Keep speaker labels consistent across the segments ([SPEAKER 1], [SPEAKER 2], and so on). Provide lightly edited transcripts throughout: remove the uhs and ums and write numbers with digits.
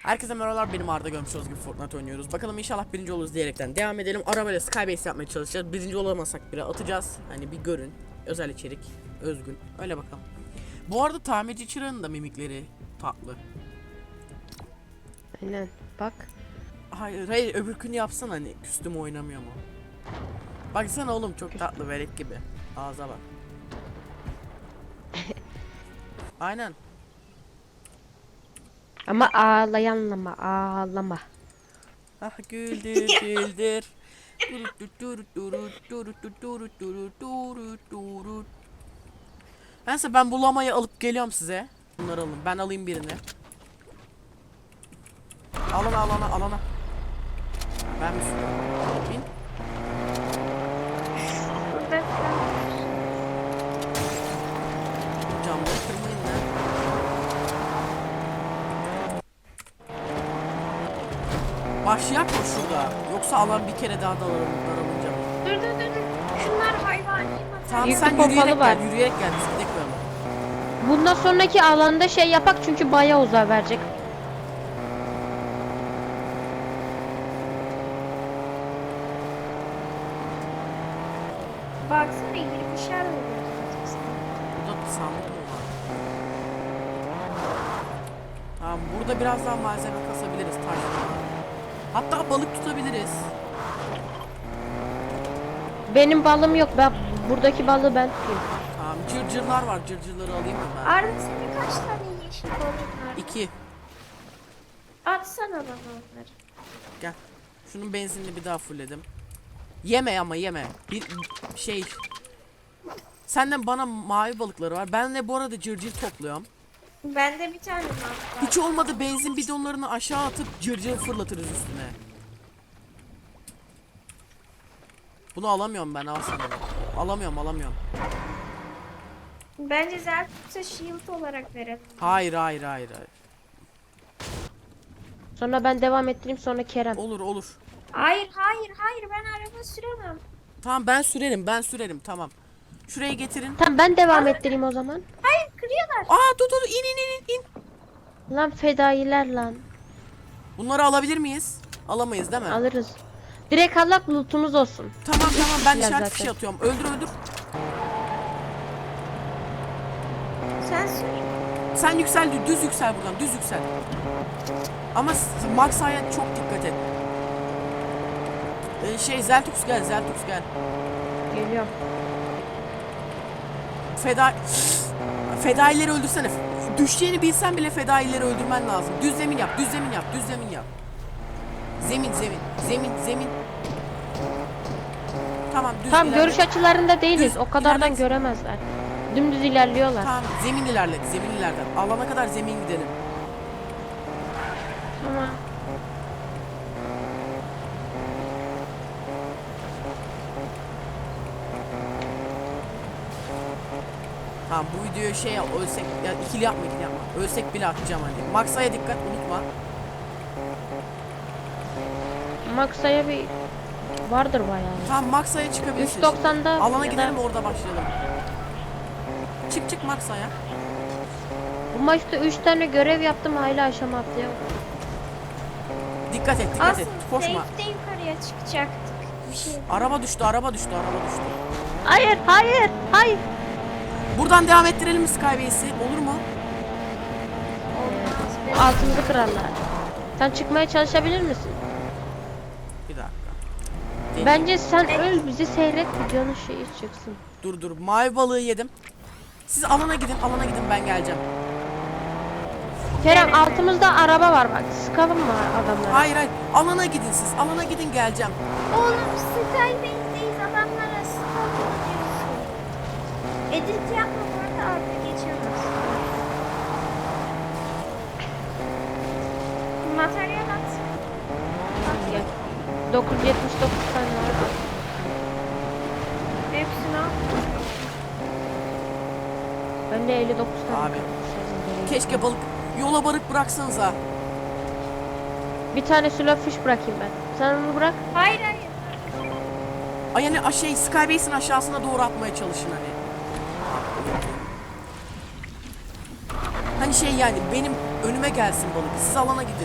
[SPEAKER 1] Herkese merhabalar, benim Arda. Görmüş olduğunuz gibi Fortnite oynuyoruz. Bakalım inşallah birinci oluruz diyerekten devam edelim. Arabayla Skybase yapmaya çalışacağız. Birinci olamasak bile atacağız. Hani bir görün. Özel içerik. Özgün. Öyle bakalım. Bu arada tamirci çırağının da mimikleri tatlı.
[SPEAKER 2] Aynen bak.
[SPEAKER 1] Hayır öbürkünü yapsan, hani küstüm oynamıyor mu? Baksana oğlum, çok tatlı verek gibi. Ağza bak. Aynen.
[SPEAKER 2] Ama ağlayanlama ağlama.
[SPEAKER 1] Ah güldür güldür. Neyse, ben bulamayı alıp geliyorum size. Bunları alın. Ben alayım birini. Alana. Ben mi sürüyorum? Bin. Camları kırmayın lan. Başlayak mı şurada? Yoksa alan bir kere daha daralınca mı?
[SPEAKER 3] Dur. Şunlar hayvani.
[SPEAKER 1] Tamam,
[SPEAKER 2] Yüklü
[SPEAKER 1] sen
[SPEAKER 2] pompalı
[SPEAKER 1] yürüyerek
[SPEAKER 2] var.
[SPEAKER 1] gel. Yürüyerek gel. Biz gidelim böyle.
[SPEAKER 2] Bundan sonraki alanda şey yapak çünkü bayağı uzağa verecek.
[SPEAKER 3] Baksana girip bir şeyler oluyor.
[SPEAKER 1] Burada sandık mı var? Tamam, burada biraz daha malzeme kasabiliriz. Taş falan. Hatta balık tutabiliriz.
[SPEAKER 2] Benim balım yok. Ben buradaki balığı ben tutayım.
[SPEAKER 1] Tamam, cırcırlar var. Cırcırları alayım mı ben?
[SPEAKER 3] Arda senin kaç tane yeşil balığın var?
[SPEAKER 1] 2.
[SPEAKER 3] Atsana bana onları.
[SPEAKER 1] Gel. Şunun benzinini bir daha fullledim. Yeme ama yeme. Bir şey. Senden bana mavi balıkları var. Ben de bu arada cırcır topluyorum.
[SPEAKER 3] Bende bir tane var.
[SPEAKER 1] Hiç olmadı benzin bidonlarını aşağı atıp cırcır fırlatırız üstüne. Bunu alamıyorum ben, al sana. Alamıyorum.
[SPEAKER 3] Bence Zertut'a shield olarak verelim.
[SPEAKER 1] Hayır.
[SPEAKER 2] Sonra ben devam ettireyim sonra Kerem.
[SPEAKER 1] Olur.
[SPEAKER 3] Hayır ben araba süremem.
[SPEAKER 1] Tamam, ben sürerim tamam. Şuraya getirin.
[SPEAKER 2] Tamam ben devam ettireyim o zaman.
[SPEAKER 3] Hayır kırıyorlar.
[SPEAKER 1] Aa dur in.
[SPEAKER 2] Lan fedailer lan.
[SPEAKER 1] Bunları alabilir miyiz? Alamayız değil mi?
[SPEAKER 2] Alırız. Direkt alak lootumuz olsun.
[SPEAKER 1] Tamam ben
[SPEAKER 2] kişiler
[SPEAKER 1] işaret
[SPEAKER 2] zaten.
[SPEAKER 1] fişi atıyorum. Öldür.
[SPEAKER 3] Sen sür.
[SPEAKER 1] Sen yüksel, düz yüksel buradan, düz yüksel. Ama Maxa'ya çok dikkat et. Zeltux gel.
[SPEAKER 2] Geliyorum.
[SPEAKER 1] Fedaileri öldürsene. Düşeceğini bilsen bile fedaileri öldürmen lazım. Düz zemin yap. Zemin. Tamam, düz
[SPEAKER 2] Tamam
[SPEAKER 1] ilerle.
[SPEAKER 2] görüş açılarında değiliz.
[SPEAKER 1] Düz,
[SPEAKER 2] O kadardan
[SPEAKER 1] ilerlet.
[SPEAKER 2] göremezler. Dümdüz ilerliyorlar.
[SPEAKER 1] Tamam, zemin ilerlet. Alana kadar zemin gidelim.
[SPEAKER 2] Tamam.
[SPEAKER 1] Tamam, bu videoyu ölsek ya, ikili yapma. Ölsek bile atacağım hani. Maxa'ya dikkat, unutma.
[SPEAKER 2] Maxa'ya bir vardır bayağı.
[SPEAKER 1] Tamam, Maxa'ya çıkabilirsin.
[SPEAKER 2] 3.90'da
[SPEAKER 1] Alana
[SPEAKER 2] ya
[SPEAKER 1] gidelim,
[SPEAKER 2] da
[SPEAKER 1] orada başlayalım. Çık Maxa'ya.
[SPEAKER 2] bu maçta 3 tane görev yaptım hala aşama atlayamadım.
[SPEAKER 1] Dikkat et.
[SPEAKER 3] Aslında
[SPEAKER 1] Koşma.
[SPEAKER 3] safe'de yukarıya çıkacaktık. Bir şey.
[SPEAKER 1] Araba düştü.
[SPEAKER 2] Hayır.
[SPEAKER 1] Buradan devam ettirelim mi Skybase'i? Olur mu?
[SPEAKER 3] Olmaz.
[SPEAKER 2] Altımızı kırarlar. Sen çıkmaya çalışabilir misin?
[SPEAKER 1] Bir dakika.
[SPEAKER 2] Bence sen öl bizi seyret videonun şeyi çıksın.
[SPEAKER 1] Dur. Mavi balığı yedim. Siz alana gidin, ben geleceğim.
[SPEAKER 2] Kerem altımızda araba var bak. Sıkalım mı adamları?
[SPEAKER 1] Hayır. Alana gidin siz. Alana gidin, geleceğim.
[SPEAKER 3] Oğlum Skybase'deyiz adamlara stalker diyorsun. Edit yapma bu arada Arda geçemez. Materyal at.
[SPEAKER 2] Gel. 979 tane var.
[SPEAKER 3] Hepsini al.
[SPEAKER 2] Bende 59 tane.
[SPEAKER 1] Abi. Keşke yola bıraksanıza.
[SPEAKER 2] Bir tane slow fish bırakayım ben. Sen onu bırak.
[SPEAKER 3] Hayır.
[SPEAKER 1] Ay yani Skybase'in aşağısına doğru atmaya çalışın hani. Hani yani benim önüme gelsin balık. Siz alana gidin.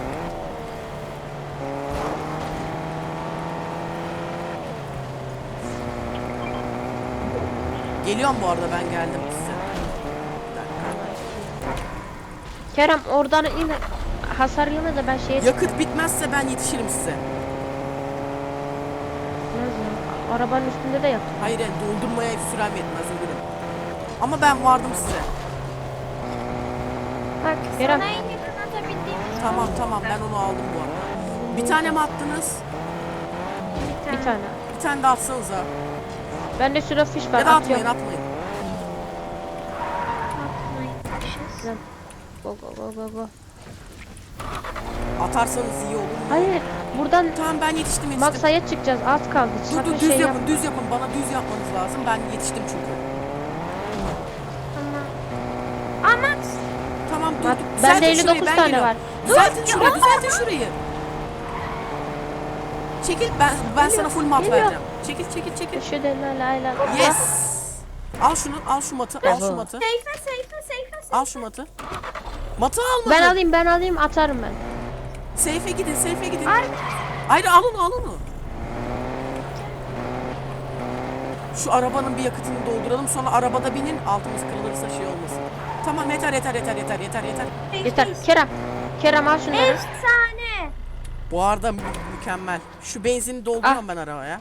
[SPEAKER 1] Geliyorum bu arada, ben geldim size. Bir dakika.
[SPEAKER 2] Kerem oradan in. Hasar yeme de ben şeye
[SPEAKER 1] Yakıt bitmezse ben yetişirim size.
[SPEAKER 2] Arabanın üstünde de yakıt.
[SPEAKER 1] Hayır yani doldurmaya sürem yetmez, ölürüm. Ama ben vardım size.
[SPEAKER 3] Bak
[SPEAKER 2] Kerem.
[SPEAKER 3] sana en yakın atabildiğimiz
[SPEAKER 1] Tamam ben onu aldım bu arada. Bir tane mi attınız?
[SPEAKER 2] Bir tane.
[SPEAKER 1] Bir tane de atsanıza.
[SPEAKER 2] Bende süre fiş var.
[SPEAKER 1] Ya da atmayın
[SPEAKER 2] atıyorum.
[SPEAKER 1] atmayın.
[SPEAKER 3] atmaymışız.
[SPEAKER 2] Go go go go go.
[SPEAKER 1] Atarsanız iyi olur.
[SPEAKER 2] Hayır. Buradan
[SPEAKER 1] Tamam ben yetiştim.
[SPEAKER 2] Maksa'ya çıkacağız. Az kaldı.
[SPEAKER 1] Dur
[SPEAKER 2] Sakın
[SPEAKER 1] düz
[SPEAKER 2] şey
[SPEAKER 1] yapın
[SPEAKER 2] yap.
[SPEAKER 1] düz yapın. Bana düz yapmanız lazım. Ben yetiştim çünkü.
[SPEAKER 3] Ama
[SPEAKER 1] Tamam dur.
[SPEAKER 2] Bak,
[SPEAKER 1] dur.
[SPEAKER 2] bende
[SPEAKER 1] Düzeltin
[SPEAKER 2] 59
[SPEAKER 1] şurayı, ben
[SPEAKER 2] tane
[SPEAKER 1] geliyorum.
[SPEAKER 2] var.
[SPEAKER 1] Düzeltin şurayı, düzeltin şurayı. Çekil, ben sana full mat
[SPEAKER 2] geliyor.
[SPEAKER 1] vereceğim. Çekil.
[SPEAKER 2] Şu denle la la.
[SPEAKER 1] Yes. Al şunu, al şu matı, al şu matı.
[SPEAKER 3] Seyfe.
[SPEAKER 1] Al şu matı. Matı almadın.
[SPEAKER 2] Ben alayım atarım ben.
[SPEAKER 1] Seyfe gidin. Hayır al onu. Şu arabanın bir yakıtını dolduralım, sonra arabada binin, altımız kırılırsa şey olmasın. Tamam yeter.
[SPEAKER 2] Yeter. Kerem al şunları.
[SPEAKER 3] Efsane.
[SPEAKER 1] Bu arada mükemmel. Şu benzini dolduruyorum ben arabaya.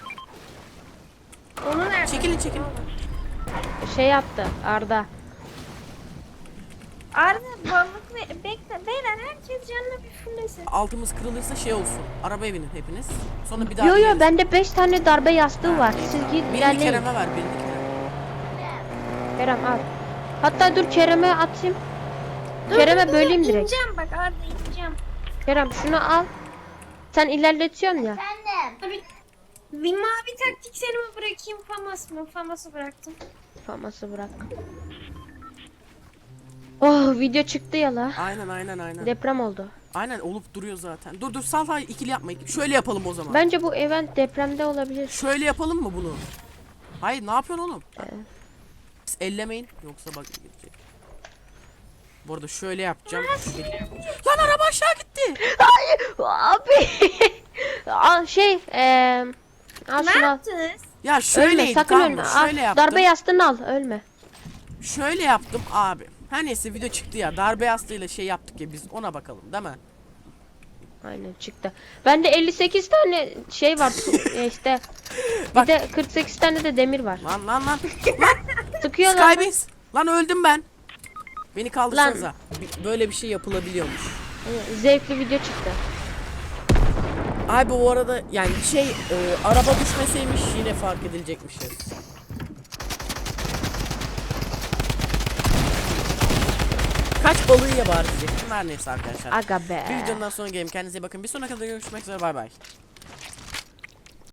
[SPEAKER 3] Onu nerede?
[SPEAKER 1] Çekilin.
[SPEAKER 2] Şey yaptı Arda.
[SPEAKER 3] Arda balık bekle. Beyler herkes canına bir fullesin.
[SPEAKER 1] Altımız kırılırsa şey olsun. Arabaya binin hepiniz. Sonra bir daha
[SPEAKER 2] Yo
[SPEAKER 1] bineriz.
[SPEAKER 2] bende 5 tane darbe yastığı var.
[SPEAKER 1] İyi,
[SPEAKER 2] Siz
[SPEAKER 1] tamam.
[SPEAKER 2] git
[SPEAKER 1] Birini
[SPEAKER 2] ilerleyin.
[SPEAKER 1] Kerem'e ver, birini Kerem'e.
[SPEAKER 2] Kerem al. Hatta dur Kerem'e atayım. Kerem'e böleyim direkt.
[SPEAKER 3] İneceğim bak Arda ineceğim.
[SPEAKER 2] Kerem şunu al. Sen ilerletiyorsun ya.
[SPEAKER 3] Bir mavi taktikleri mi bırakayım famas mı? Faması bıraktım.
[SPEAKER 2] Faması bırak. Oh video çıktı ya la.
[SPEAKER 1] Aynen.
[SPEAKER 2] Deprem oldu.
[SPEAKER 1] Aynen olup duruyor zaten. Dur sal ikili yapma. Şöyle yapalım o zaman.
[SPEAKER 2] Bence bu event depremde olabilir.
[SPEAKER 1] Şöyle yapalım mı bunu? Hayır ne yapıyorsun oğlum? Siz ellemeyin yoksa bak gidecek. Bu arada şöyle yapacağım. Lan araba aşağı gitti.
[SPEAKER 2] Abi. Al şey al
[SPEAKER 3] Ne
[SPEAKER 2] şunu al.
[SPEAKER 3] yaptınız?
[SPEAKER 1] Ya
[SPEAKER 2] Ölme
[SPEAKER 1] şöyleydi
[SPEAKER 2] sakın
[SPEAKER 1] tamam
[SPEAKER 2] ölme.
[SPEAKER 1] mı?
[SPEAKER 2] Al,
[SPEAKER 1] Şöyle yaptım.
[SPEAKER 2] darbe yastığını al ölme.
[SPEAKER 1] Şöyle yaptım abi. Her neyse video çıktı ya. Darbe yastığıyla şey yaptık ya biz, ona bakalım değil mi?
[SPEAKER 2] Aynen çıktı. Bende 58 tane şey var işte. Bir
[SPEAKER 1] Bak.
[SPEAKER 2] de 48 tane de demir var.
[SPEAKER 1] Lan.
[SPEAKER 2] Sıkıyor lan.
[SPEAKER 1] Skybase. Lan öldüm ben. Beni kaldırsanıza. Böyle bir şey yapılabiliyormuş.
[SPEAKER 2] Zevkli video çıktı.
[SPEAKER 1] Abi bu arada yani araba düşmeseymiş yine fark edilecekmişiz. Kaç balığı ya bari diyecektim. Her neyse arkadaşlar.
[SPEAKER 2] Aga be.
[SPEAKER 1] Bir videodan sonra gelin. Kendinize iyi bakın. Bir sonraki videoda görüşmek üzere. Bay bay.